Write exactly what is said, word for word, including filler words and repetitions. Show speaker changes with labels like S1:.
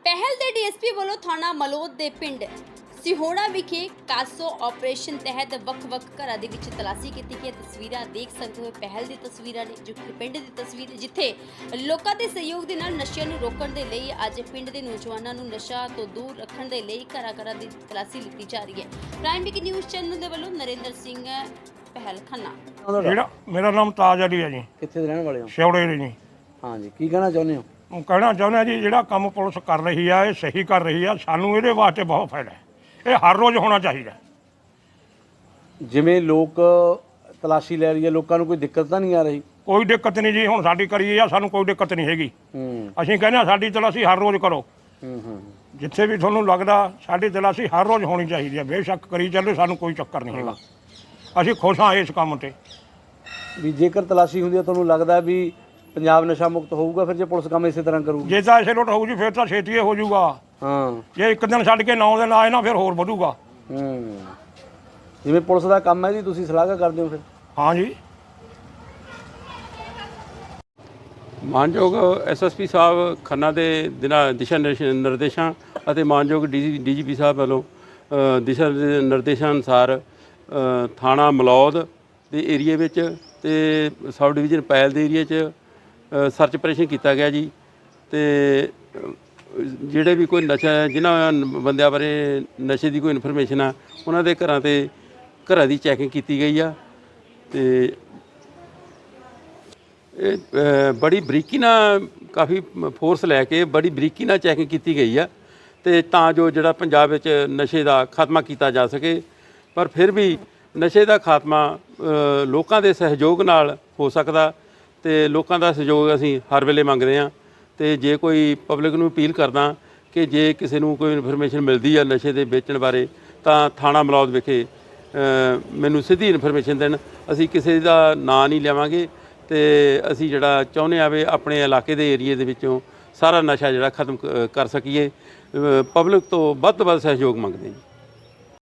S1: पहल दे डीएसपी वालों थाना मलोद दे पिंड सिहोड़ा विखे कासो ऑपरेशन तहत वख-वख घरां दे विच तलाशी कीती गई। तस्वीरां देख सकते हो पहल दी तस्वीरां ने जो कि पिंड दी तस्वीर जिथे लोकां दे सहयोग दे नाल नशे नूं रोकण दे लई अज पिंड दे नौजवानां नूं नशा तो दूर रखण दे लई घरां-घरां दी तलाशी लिੱਤੀ जा रही है। प्राइम वीक न्यूज़ चैनल दे वल्लों नरेंद्र सिंह पहल खन्ना।
S2: ਜਿਹੜਾ ਮੇਰਾ ਨਾਮ ਤਾਜ ਅਲੀ ਹੈ ਜੀ,
S3: ਕਿੱਥੇ ਦੇ ਰਹਿਣ ਵਾਲੇ ਹੋ?
S2: ਸਿਉੜੇ ਦੇ ਜੀ।
S3: ਹਾਂ ਜੀ, ਕੀ ਕਹਿਣਾ ਚਾਹੁੰਦੇ ਹੋ?
S2: ਉਹ ਕਹਿਣਾ ਚਾਹੁੰਦੇ ਹਾਂ ਜੀ, ਜਿਹੜਾ ਕੰਮ ਪੁਲਿਸ ਕਰ ਰਹੀ ਆ ਇਹ ਸਹੀ ਕਰ ਰਹੀ ਆ, ਸਾਨੂੰ ਇਹਦੇ ਵਾਸਤੇ ਬਹੁਤ ਫਾਇਦਾ ਹੈ। ਇਹ ਹਰ ਰੋਜ਼ ਹੋਣਾ ਚਾਹੀਦਾ।
S3: ਜਿਵੇਂ ਲੋਕ ਤਲਾਸ਼ੀ ਲੈ ਰਹੀ ਹੈ, ਲੋਕਾਂ ਨੂੰ ਕੋਈ ਦਿੱਕਤ ਤਾਂ ਨਹੀਂ ਆ ਰਹੀ?
S2: ਕੋਈ ਦਿੱਕਤ ਨਹੀਂ ਜੀ, ਹੁਣ ਸਾਡੀ ਕਰੀ ਆ, ਸਾਨੂੰ ਕੋਈ ਦਿੱਕਤ ਨਹੀਂ ਹੈਗੀ।
S3: ਹੂੰ
S2: ਅਸੀਂ ਕਹਿੰਦੇ ਹਾਂ ਸਾਡੀ ਤਲਾਸ਼ੀ ਹਰ ਰੋਜ਼ ਕਰੋ।
S3: ਹੂੰ ਹੂੰ
S2: ਜਿੱਥੇ ਵੀ ਤੁਹਾਨੂੰ ਲੱਗਦਾ ਸਾਡੀ ਤਲਾਸ਼ੀ ਹਰ ਰੋਜ਼ ਹੋਣੀ ਚਾਹੀਦੀ ਹੈ। ਬੇਸ਼ੱਕ ਕਰੀ ਚੱਲੇ, ਸਾਨੂੰ ਕੋਈ ਚੱਕਰ ਨਹੀਂ ਹੈਗਾ। ਅਸੀਂ ਖੁਸ਼ ਹਾਂ ਇਸ ਕੰਮ ਤੇ।
S3: ਵੀ ਜੇਕਰ ਤਲਾਸ਼ੀ ਹੁੰਦੀ ਹੈ ਤੁਹਾਨੂੰ ਲੱਗਦਾ ਵੀ ਪੰਜਾਬ ਨਸ਼ਾ ਮੁਕਤ ਹੋਊਗਾ ਫਿਰ ਜੇ ਪੁਲਿਸ ਕੰਮ ਇਸੇ ਤਰ੍ਹਾਂ ਕਰੂਗੀ?
S2: ਜੇ ਤਾਂ ਇਸੇ ਲੁੱਟ ਹੋਊ ਜੀ ਫਿਰ ਤਾਂ ਛੇਤੀ ਹੋ ਜਾਊਗਾ।
S3: ਹਾਂ,
S2: ਜੇ ਇੱਕ ਦਿਨ ਛੱਡ ਕੇ ਨੌ ਦਿਨ ਆਏ ਨਾ ਫਿਰ ਹੋਰ ਵਧੂਗਾ।
S3: ਹੂੰ ਜਿਵੇਂ ਪੁਲਿਸ ਦਾ ਕੰਮ ਹੈ ਜੀ, ਤੁਸੀਂ ਸਲਾਹ ਕਰਦੇ ਹੋ ਫਿਰ?
S2: ਹਾਂ ਜੀ।
S4: ਮਾਨਯੋਗ ਐਸਐਸਪੀ ਸਾਹਿਬ ਖੰਨਾ ਦੇ ਦਿਨਾਂ ਦਿਸ਼ਾ ਨਿਰਸ਼- ਨਿਰਦੇਸ਼ਾਂ ਅਤੇ ਮਾਨਯੋਗ ਡੀ ਡੀਜੀਪੀ ਸਾਹਿਬ ਵੱਲੋਂ ਅ, ਦਿਸ਼ਾ ਨਿ- ਨਿਰਦੇਸ਼ਾਂ ਅਨੁਸਾਰ ਅ, ਥਾਣਾ ਮਲੌਦ ਦੇ ਏਰੀਏ ਵਿੱਚ ਤੇ ਸਬ ਡਿਵੀਜ਼ਨ ਪੈਲ ਦੇ ਏਰੀਏ 'ਚ ਅ, ਸਰਚ ਆਪਰੇਸ਼ਨ ਕੀਤਾ ਗਿਆ ਜੀ। ਤੇ ਅ, ਜਿਹੜੇ ਵੀ ਕੋਈ ਨਸ਼ਾ ਜਿਨ੍ਹਾਂ ਬੰਦਿਆਂ ਬਾਰੇ ਨਸ਼ੇ ਦੀ ਕੋਈ ਇਨਫੋਰਮੇਸ਼ਨ ਆ ਉਹਨਾਂ ਦੇ ਘਰਾਂ ਤੇ ਘਰਾਂ ਦੀ ਚੈਕਿੰਗ ਕੀਤੀ ਗਈ ਆ। ਤੇ ਇਹ ਅ, ਬੜੀ ਬਰੀਕੀ ਨਾਲ ਕਾਫੀ ਫੋਰਸ ਲੈ ਕੇ ਬੜੀ ਬਰੀਕੀ ਨਾਲ ਚੈਕਿੰਗ ਕੀਤੀ ਗਈ ਆ ਤੇ ਤਾਂ ਜੋ ਜਿਹੜਾ ਪੰਜਾਬ ਵਿੱਚ ਨਸ਼ੇ ਦਾ ਖਾਤਮਾ ਕੀਤਾ ਜਾ ਸਕੇ। ਪਰ ਫਿਰ ਵੀ ਨਸ਼ੇ ਦਾ ਖਾਤਮਾ ਅ, ਲੋਕਾਂ ਦੇ ਸਹਿਯੋਗ ਨਾਲ ਹੋ ਸਕਦਾ ਤੇ ਲੋਕਾਂ ਦਾ ਸਹਿਯੋਗ ਅਸੀਂ ਹਰ ਵੇਲੇ ਮੰਗਦੇ ਹਾਂ। ਤੇ ਜੇ ਕੋਈ ਪਬਲਿਕ ਨੂੰ ਅਪੀਲ ਕਰਦਾ ਕਿ ਜੇ ਕਿਸੇ ਨੂੰ ਕੋਈ ਇਨਫੋਰਮੇਸ਼ਨ ਮਿਲਦੀ ਆ ਨਸ਼ੇ ਦੇ ਵੇਚਣ ਬਾਰੇ ਤਾਂ ਥਾਣਾ ਮਲੌਦ ਵਿਖੇ ਅ, ਮੈਨੂੰ ਸਿੱਧੀ ਇਨਫੋਰਮੇਸ਼ਨ ਦੇਣ। ਅਸੀਂ ਕਿਸੇ ਦਾ ਨਾਂ ਨਹੀਂ ਲਵਾਂਗੇ ਤੇ ਅਸੀਂ ਜਿਹੜਾ ਚਾਹੁੰਦੇ ਆ ਵੀ ਆਪਣੇ ਇਲਾਕੇ ਦੇ ਏਰੀਏ ਦੇ ਵਿੱਚੋਂ ਸਾਰਾ ਨਸ਼ਾ ਜਿਹੜਾ ਖਤਮ ਕ- ਕਰ ਸਕੀਏ। ਪਬਲਿਕ ਤੋਂ ਵੱਧ ਤੋਂ ਵੱਧ ਸਹਿਯੋਗ ਮੰਗਦੇ ਹਾਂ।